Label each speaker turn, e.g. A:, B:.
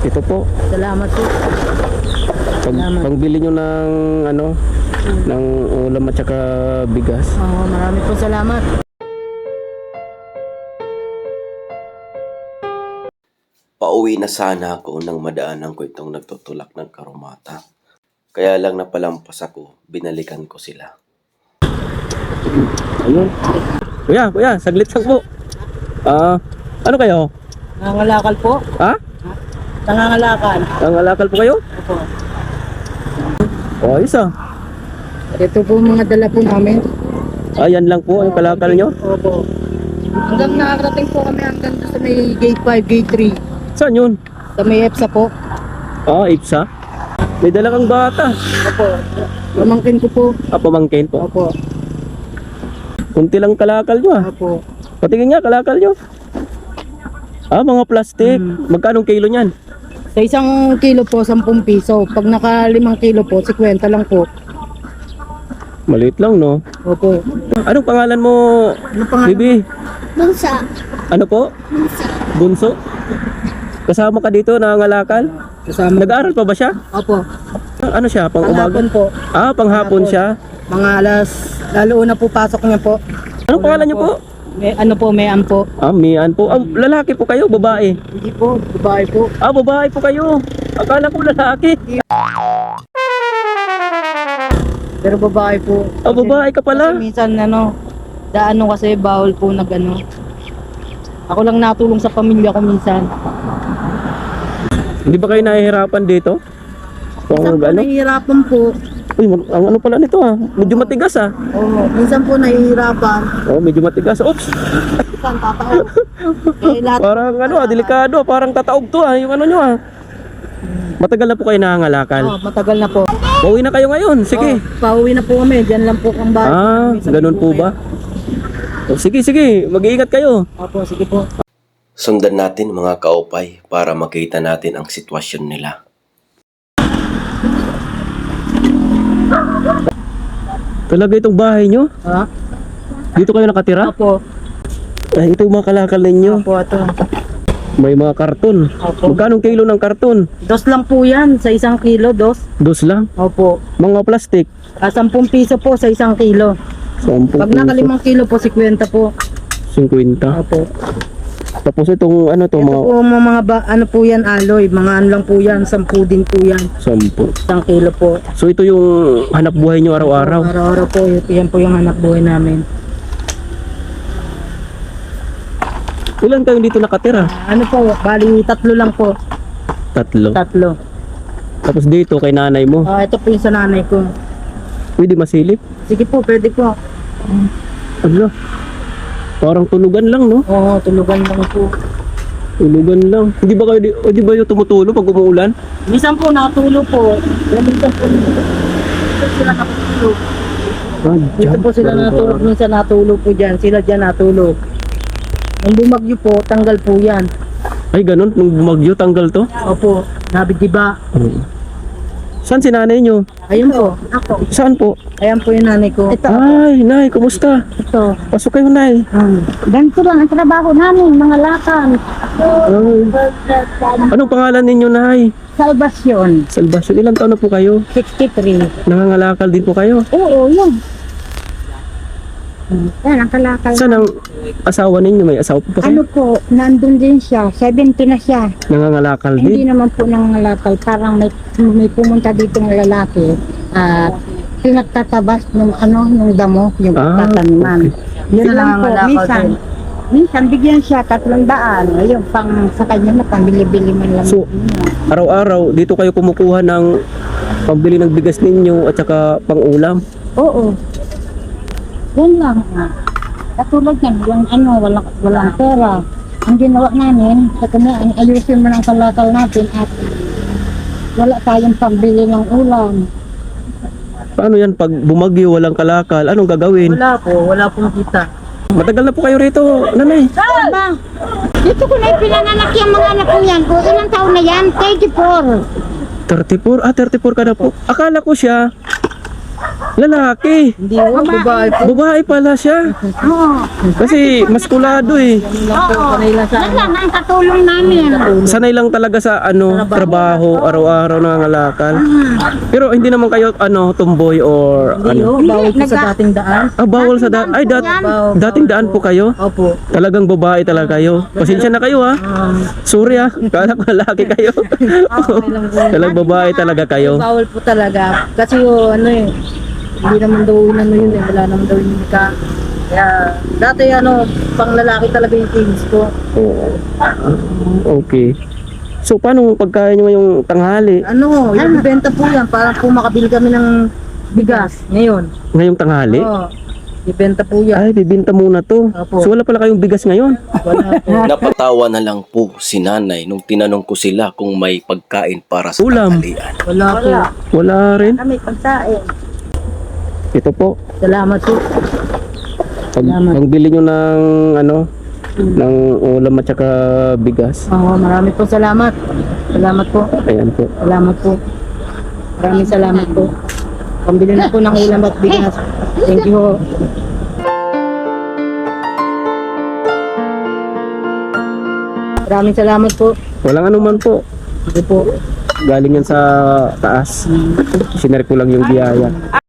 A: Ito po.
B: Salamat po.
A: Pangbili nyo ng ano, ng ulam at saka bigas.
B: Oo, marami po salamat.
C: Pauwi na sana ako nang madaanan ko itong nagtutulak ng karumata. Kaya lang napalampas ako, binalikan ko sila.
A: Ayun. Kuya, saglit lang po. Ano kayo?
B: Nangangalakal po.
A: Ha?
B: Nangangalakal.
A: Nangalakal po kayo?
B: Opo.
A: O, isa.
B: Ito po mga dala po namin.
A: Ayan lang po, yung kalakal nyo.
B: Opo. Hanggang nakakarating po kami hanggang sa may gate 5, gate 3.
A: Saan yun?
B: Sa may EPSA po.
A: Ipsa. May dala kang bata.
B: Opo. Pamangkin ko po.
A: Pamangkin po.
B: Opo.
A: Kunti lang kalakal nyo
B: Opo.
A: Patingin nga, kalakal nyo. Mga plastic. Magkano kilo niyan?
B: Sa 1 kilo po, 10 piso. Pag naka 5 kilo po, 50 lang po.
A: Maliit lang, no?
B: Opo.
A: Anong pangalan mo,
B: Ano pangalan?
A: Bibi?
D: Bunsa.
A: Ano po? Bunso? Kasama ka dito, nangangalakal?
B: Kasama.
A: Nag-aaral pa ba siya?
B: Opo.
A: Ano siya, pang umaga?
B: Panghapon po.
A: Panghapon siya.
B: Mga alas, lalo una po pasok niya po.
A: Anong pangalan niyo po?
B: May ampo.
A: Mian po. Lalaki po kayo, babae?
B: Hindi po, babae po.
A: Babae po kayo. Akala ko lalaki.
B: Pero babae po.
A: Babae ka pala.
B: Kasi minsan kasi bawal po Ako lang natulong sa pamilya ko minsan.
A: Hindi ba kayo nahihirapan dito?
B: Minsan po nahihirapan po.
A: Uy, ang ano pala nito medyo matigas
B: Oo, minsan po nahihirapan.
A: medyo matigas. Oops.
B: Minsan tataog. Lahat
A: Parang delikado. Parang tataog to yung ano nyo Matagal na po kayo nangangalakal.
B: matagal na po.
A: Pauwi na kayo ngayon. Sige.
B: Pauwi na po kami. Diyan lang po ang bahay.
A: Ganun po ba? Sige. Mag-iingat kayo.
B: Opo, sige po.
C: Sundan natin mga kaupay para makita natin ang sitwasyon nila.
A: Talaga itong bahay nyo?
B: Ha?
A: Dito kayo nakatira?
B: Opo.
A: Ito yung mga kalakal ninyo.
B: Opo, ito.
A: May mga karton.
B: Opo.
A: Magkano kilo ng karton?
B: 2 lang po yan. Sa 1 kilo, 2.
A: 2 lang.
B: Opo.
A: Mga plastic.
B: 10 piso po sa 1 kilo.
A: 10
B: Pag naka 5 kilo po, 50 po.
A: 50.
B: Opo.
A: Tapos itong
B: Ito po mga po yan, aloy. Mga ano lang po yan, 10 din po yan.
A: 10.
B: 1 kilo po.
A: So ito yung hanap buhay nyo araw-araw?
B: Araw-araw po, yan po yung hanap buhay namin.
A: Ilan kayo dito nakatira?
B: Ano po, bali 3 lang po.
A: 3.
B: 3.
A: Tapos dito kay nanay mo.
B: Ito po yung sa nanay ko.
A: Pwede masilip?
B: Sige po, pwede po.
A: Ano? Parang tulugan lang, no?
B: Oo, tulugan lang po.
A: Tulugan lang. Hindi ba kayo di ba yung tumutulo pag umuulan?
B: Minsan po natulo po. Minsan po dito sila natulog. Dito po sila natulog. Minsan natulog po dyan. Sila dyan natulog. Nung bumagyo po, tanggal po yan.
A: Ay, ganun. Nung bumagyo, tanggal to?
B: Opo, nabidiba.
A: Saan si nanay nyo?
B: Ayun po, ako.
A: Saan po?
B: Ayan po yung nanay ko.
A: Ay, nay, kumusta?
B: Ito.
A: Pasok kayo, nay.
D: Ganito lang ang trabaho namin, mga lakang.
A: Anong pangalan ninyo, nay?
D: Salvasyon.
A: Salvasyon. Ilang taon na po kayo?
D: 63.
A: Nangangalakal din po kayo?
D: Oo, yun. Yan, ang kalakal.
A: Saan ang asawa ninyo? May asawa po ba kayo?
D: Ano po, nandun din siya. 70 na siya.
A: Nangangalakal
D: Hindi
A: din?
D: naman po nangangalakal. Parang may pumunta dito ng lalaki. Pinagtatabas nung damo, yung tataniman. Yun
B: Sila
D: lang po,
B: nangangalakal
D: minsan.
B: din.
D: Minsan bigyan siya 300. Ayun, sa kanya na pambili-bili man lang.
A: So, araw-araw, dito kayo kumukuha ng pambili ng bigas ninyo at saka pang-ulam?
D: Oo. Yan lang. Katulad yan, walang pera. Ang ginawa namin, sa kanya, ayusin mo ng kalakal natin at wala tayong pambili ng ulam.
A: Paano yan pag bumagyo, walang kalakal? Anong gagawin?
B: Wala pong kita.
A: Matagal na po kayo rito, nanay.
D: Aba, dito ko na ipinananak yung mga anak ko yan. O ilang taon na yan? 34.
A: 34? 34 ka na po. Akala ko siya Lalaki.
B: Hindi ho, babae po.
A: Babae pala siya.
D: Oo.
A: Kasi maskulado eh.
B: Yan lang po, sanay lang sa
D: Yan lang ang katulong namin.
A: Sanay lang talaga sa trabaho, araw-araw nangangalakal. Pero hindi naman kayo tomboy or
B: Hindi ho, bawal po sa dating daan.
A: bawal sa daan. Ay, dating daan po kayo.
B: Opo.
A: Talagang babae talaga kayo. Pasensya na kayo ha. Sorry ha. Kala ko lalaki kayo. Talagang babae talaga kayo.
B: Bawal po talaga. Kasi hindi naman daw yun wala naman daw yung ka. Kaya, dati pang lalaki talaga yung things ko.
A: Oo. Okay. So, paano pagkain nyo yung tanghali?
B: Yung benta po yan, para po makabili kami ng bigas ngayon.
A: Ngayong tanghali?
B: Oo, ibenta po yan.
A: Ay, bibinta muna to.
B: Opo.
A: So, wala pala kayong bigas ngayon?
B: Wala po.
C: Napatawa na lang po si nanay nung tinanong ko sila kung may pagkain para sa
A: Ulam.
C: tanghalian.
B: Wala po.
A: Wala rin.
D: Kami pagsain.
A: Ito po.
B: Salamat po.
A: Pagbili nyo ng ng ulam at saka bigas.
B: Oo, marami po salamat. Salamat po.
A: Ayan po.
B: Salamat po. Maraming salamat po. Pambili na po ng ulam at bigas. Thank you ho. Maraming salamat po.
A: Walang anuman po.
B: Hindi po.
A: Galing yan sa taas. Sinare ko lang yung biyaya.